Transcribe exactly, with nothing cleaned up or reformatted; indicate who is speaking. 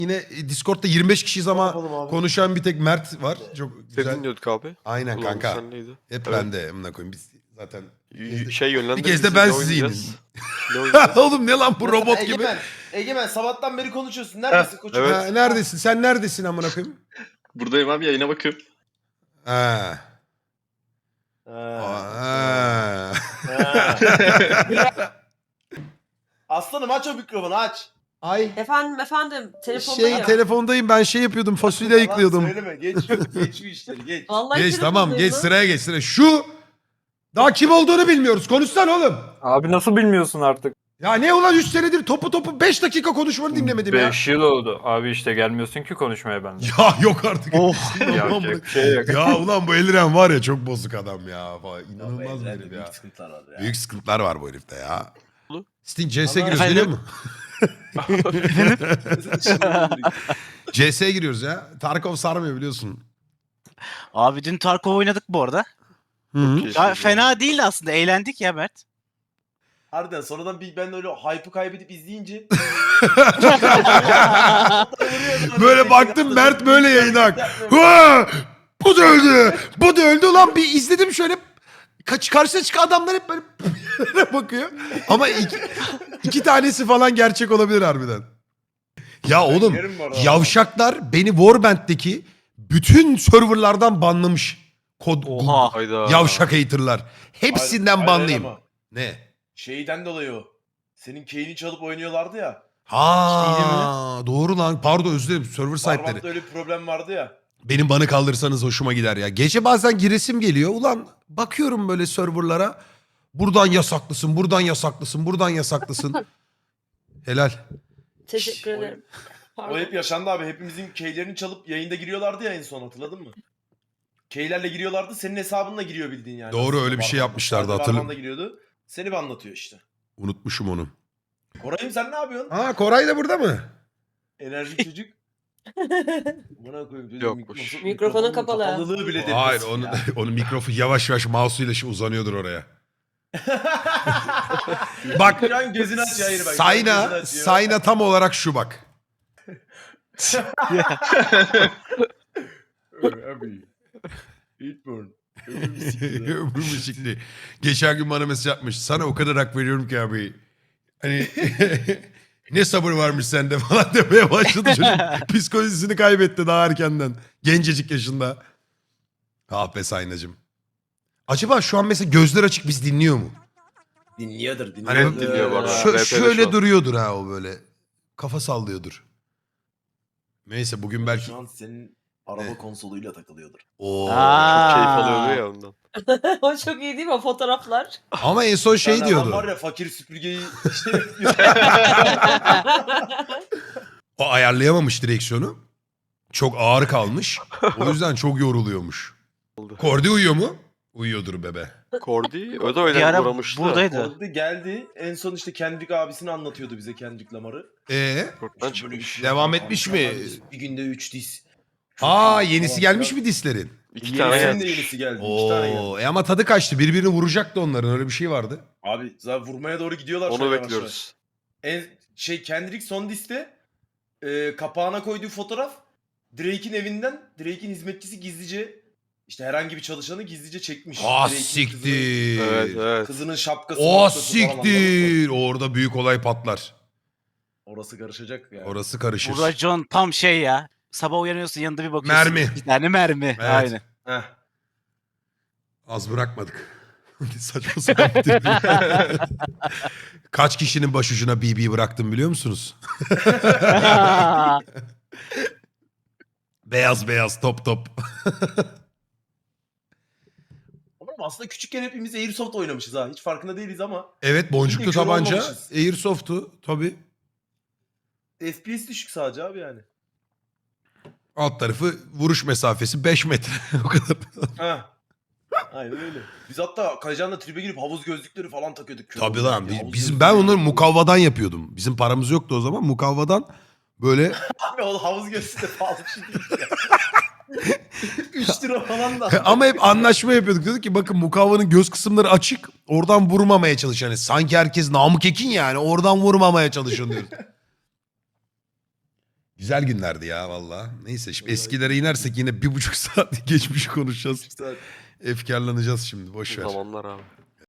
Speaker 1: Yine Discord'da yirmi beş kişiyiz ama
Speaker 2: Yapalım abi.
Speaker 1: konuşan bir tek Mert var. Çok
Speaker 3: Seni
Speaker 1: güzel.
Speaker 3: dinliyorduk abi.
Speaker 1: Aynen
Speaker 3: Ulan
Speaker 1: kanka.
Speaker 3: sen neydi?
Speaker 1: Hep
Speaker 3: Evet.
Speaker 1: bende amına koyayım. Biz zaten
Speaker 3: Y- Şey yönlendir.
Speaker 1: bir kez de
Speaker 3: bizi,
Speaker 1: ben
Speaker 3: ne
Speaker 1: sizi
Speaker 3: oynayacağız?
Speaker 1: yeneyim.
Speaker 3: Ne oynayacağız?
Speaker 1: Oğlum ne lan bu
Speaker 2: Mesela
Speaker 1: robot gibi.
Speaker 2: Egemen, Egemen sabahtan beri konuşuyorsun. Neredesin koçum?
Speaker 3: evet.
Speaker 1: Ha, neredesin? Sen neredesin amına koyayım?
Speaker 4: Buradayım abi, yayına bakıyorum.
Speaker 1: Ha.
Speaker 2: Ha.
Speaker 1: Ha.
Speaker 2: Ha. Aslanım aç o mikrofonu aç.
Speaker 1: Ay.
Speaker 5: Efendim efendim telefondayım.
Speaker 1: Şey telefondayım ben şey yapıyordum fasulye
Speaker 2: Yalan
Speaker 1: ayıklıyordum.
Speaker 2: Söyleme geç, geç bu işleri geç.
Speaker 5: Vallahi
Speaker 1: Geç tamam
Speaker 5: telefondayım
Speaker 1: geç
Speaker 5: lan.
Speaker 1: sıraya geç sıraya. Şu daha kim olduğunu bilmiyoruz. Konuşsana oğlum.
Speaker 6: Abi nasıl bilmiyorsun artık?
Speaker 1: Ya ne ulan üç senedir topu topu beş dakika konuşmanı dinlemedim ya.
Speaker 6: beş yıl oldu. Abi işte gelmiyorsun ki konuşmaya bende.
Speaker 1: Ya yok artık.
Speaker 6: Yapacak bir şey yok.
Speaker 1: Ya ulan bu Eliren var ya çok bozuk adam ya. Falan. İnanılmaz bir
Speaker 2: Evrende
Speaker 1: herif
Speaker 2: büyük
Speaker 1: ya.
Speaker 2: sıkıntılar var ya.
Speaker 1: Büyük sıkıntılar var bu herifte ya.
Speaker 3: Oğlum.
Speaker 1: Sting C S'ye
Speaker 2: Ama-
Speaker 1: giriyoruz biliyor
Speaker 2: Efendim?
Speaker 1: musun? C S'ye giriyoruz ya. Tarkov sarmıyor biliyorsun.
Speaker 7: Abi dün Tarkov oynadık bu arada.
Speaker 1: Hı -hı.
Speaker 3: Keşke
Speaker 7: Ya,
Speaker 3: ya.
Speaker 7: fena değil aslında. Eğlendik ya Mert.
Speaker 2: Harbiden sonradan bir ben öyle hype'ı kaybedip izleyince
Speaker 1: Böyle baktım Mert böyle yayına. Ha! Bu da öldü. Bu da öldü. Ulan bir izledim şöyle. Kaç karşısına çıkan adamlar hep böyle bakıyor. Ama iki, iki tanesi falan gerçek olabilir harbiden. Ya oğlum
Speaker 2: yerim bu arada.
Speaker 1: yavşaklar beni Warband'deki bütün serverlardan banlamış. Kod,
Speaker 7: Oha.
Speaker 3: Hayda.
Speaker 1: Yavşak haterlar. Hepsinden
Speaker 2: Hayır, hayır
Speaker 1: banlayayım.
Speaker 2: ama
Speaker 1: Ne?
Speaker 2: Şeyden dolayı o. Senin Kane'i çalıp oynuyorlardı ya.
Speaker 1: Ha doğru lan. Pardon özür dilerim. Server
Speaker 2: Barbat'ta
Speaker 1: sahipleri.
Speaker 2: öyle bir problem vardı ya.
Speaker 1: Benim banı kaldırsanız hoşuma gider ya. Gece bazen giresim geliyor. Ulan bakıyorum böyle serverlara. Buradan yasaklısın, buradan yasaklısın, buradan yasaklısın. Helal.
Speaker 5: Teşekkür
Speaker 2: O-
Speaker 5: ederim.
Speaker 2: O
Speaker 5: Pardon.
Speaker 2: hep yaşandı abi. Hepimizin keylerini çalıp yayında giriyorlardı ya en son, hatırladın mı? Keylerle giriyorlardı. Senin hesabınla giriyor bildiğin yani.
Speaker 1: Doğru,
Speaker 2: Aslında
Speaker 1: öyle bir şey
Speaker 2: Barbat'ta.
Speaker 1: yapmışlardı,
Speaker 2: Sadece
Speaker 1: hatırlıyorum.
Speaker 2: Barbat'ta giriyordu. Seni bir anlatıyor işte.
Speaker 1: Unutmuşum onu.
Speaker 2: Koray'ım sen ne yapıyorsun?
Speaker 1: Aa Koray da burada mı?
Speaker 2: Enerjik çocuk. Buna koyayım. çocuğun
Speaker 3: Yokmuş.
Speaker 2: mikrofonu-
Speaker 5: Mikrofonu
Speaker 2: mikrofonun
Speaker 5: kapalı.
Speaker 2: Kapalılığı bile depresin
Speaker 1: Hayır onu,
Speaker 2: ya.
Speaker 1: onun mikrofonu yavaş yavaş mouse'uyla şu uzanıyordur oraya. Bak
Speaker 2: Şu an gözünü açıyor. Hayır bak. gözünü
Speaker 1: Sayna,
Speaker 2: açıyor.
Speaker 1: Sayna tam olarak şu bak.
Speaker 2: Abi. Eatburn. Ömrüm siktir.
Speaker 1: Ömrüm ışıklı. Geçen gün bana mesaj yapmış. Sana o kadar hak veriyorum ki abi. Hani ne sabır varmış sende falan demeye başladı çocuk. Psikolojisini kaybetti daha erkenden. Gencecik yaşında. Ah be Saynacığım. Acaba şu an mesela gözler açık biz dinliyor mu?
Speaker 2: Dinliyordur, dinliyordur.
Speaker 1: Hani
Speaker 3: dinliyor bu arada.
Speaker 1: şö-
Speaker 3: R P'de şu
Speaker 1: şöyle
Speaker 3: an.
Speaker 1: duruyordur ha o böyle. Kafa sallıyordur. Neyse bugün belki...
Speaker 2: Şu an senin araba
Speaker 1: Ne?
Speaker 2: konsoluyla takılıyordur.
Speaker 1: Oo.
Speaker 7: Aa.
Speaker 3: Keyif alıyordu ya ondan.
Speaker 5: O çok iyi değil mi o fotoğraflar?
Speaker 1: Ama en son şey
Speaker 2: Yani adam
Speaker 1: diyordu.
Speaker 2: var ya fakir süpürgeyi şey yapıyor.
Speaker 1: O ayarlayamamış direksiyonu. Çok ağır kalmış. O yüzden çok yoruluyormuş.
Speaker 3: Oldu.
Speaker 1: Kordi uyuyor mu? Uyuyordur bebe.
Speaker 3: Kordi o da
Speaker 7: Bir
Speaker 3: öyle
Speaker 7: ara
Speaker 3: uğramıştı.
Speaker 7: buradaydı.
Speaker 2: Orada geldi. En son işte Kendrick abisini anlatıyordu bize, Kendrick Lamar'ı.
Speaker 1: Ee?
Speaker 3: Korktan
Speaker 2: İşte böyle bir
Speaker 3: çıkmış.
Speaker 2: şey
Speaker 1: Devam
Speaker 2: yapıyor.
Speaker 1: etmiş
Speaker 2: Antrenman
Speaker 1: mi?
Speaker 2: diz, Bir günde üç diz. Çok
Speaker 1: Aa
Speaker 2: iyi
Speaker 1: yenisi
Speaker 2: falan
Speaker 1: gelmiş
Speaker 2: filan.
Speaker 1: mi dislerin?
Speaker 3: İki tane
Speaker 2: Yenisinin de
Speaker 3: gelmiş.
Speaker 2: yenisi geldi. İki tane geldi.
Speaker 1: Oo, e ama tadı kaçtı. Birbirini vuracaktı onların. Öyle bir şey vardı.
Speaker 2: Abi zaten vurmaya doğru gidiyorlar. şu an
Speaker 3: Onu
Speaker 2: yavaş
Speaker 3: bekliyoruz.
Speaker 2: yavaş. En şey Kendrick son diste e, kapağına koyduğu fotoğraf Drake'in evinden, Drake'in hizmetçisi gizlice işte herhangi bir çalışanı gizlice çekmiş.
Speaker 1: Ah
Speaker 2: Drake'in
Speaker 1: siktir.
Speaker 3: Evet evet.
Speaker 2: Kızının, kızının şapkası.
Speaker 1: Oh
Speaker 2: maskası falan, anladın mı?
Speaker 1: siktir. Orada büyük olay patlar.
Speaker 2: Orası karışacak yani.
Speaker 1: Orası karışır.
Speaker 7: Bu racon tam şey ya. Sabah uyanıyorsun yanında bir bakıyorsun.
Speaker 1: Mermi.
Speaker 7: Bir tane mermi.
Speaker 1: Evet.
Speaker 7: Aynen.
Speaker 2: Heh.
Speaker 1: Az bırakmadık. Saçma sapan bir tip. Kaç kişinin başucuna B B bıraktım biliyor musunuz? Beyaz beyaz top top.
Speaker 2: Ama aslında küçükken hepimiz Airsoft oynamışız ha. Hiç farkında değiliz ama.
Speaker 1: Evet boncuklu
Speaker 2: Hiç kör
Speaker 1: tabanca.
Speaker 2: olmamışız.
Speaker 1: Airsoft'tu tabii.
Speaker 2: F P S düşük sadece abi yani.
Speaker 1: Alt tarafı vuruş mesafesi beş metre. O kadar.
Speaker 2: Ha. Aynen öyle. Biz hatta Kayacan'la tribe girip havuz gözlükleri falan takıyorduk. kör
Speaker 1: Tabii
Speaker 2: olmak
Speaker 1: lan.
Speaker 2: diye.
Speaker 1: Biz,
Speaker 2: Havuz
Speaker 1: bizim,
Speaker 2: gözlüğü
Speaker 1: ben onları
Speaker 2: takıyorduk.
Speaker 1: mukavvadan yapıyordum. Bizim paramız yoktu o zaman. Mukavvadan böyle
Speaker 2: Abi o havuz gözlüğü de pahalı bir şey değil ya. üç lira falan da.
Speaker 1: ama hep anlaşma yapıyorduk. Dedik ki bakın mukavvanın göz kısımları açık. Oradan vurmamaya çalış. Yani sanki herkes Namık Ekin yani. Oradan vurmamaya çalışın diyoruz. Güzel günlerdi ya valla. Neyse şimdi eskilere inersek yine bir buçuk saat geçmiş konuşacağız. Efkarlanacağız şimdi boş ver.
Speaker 3: Zamanlar abi.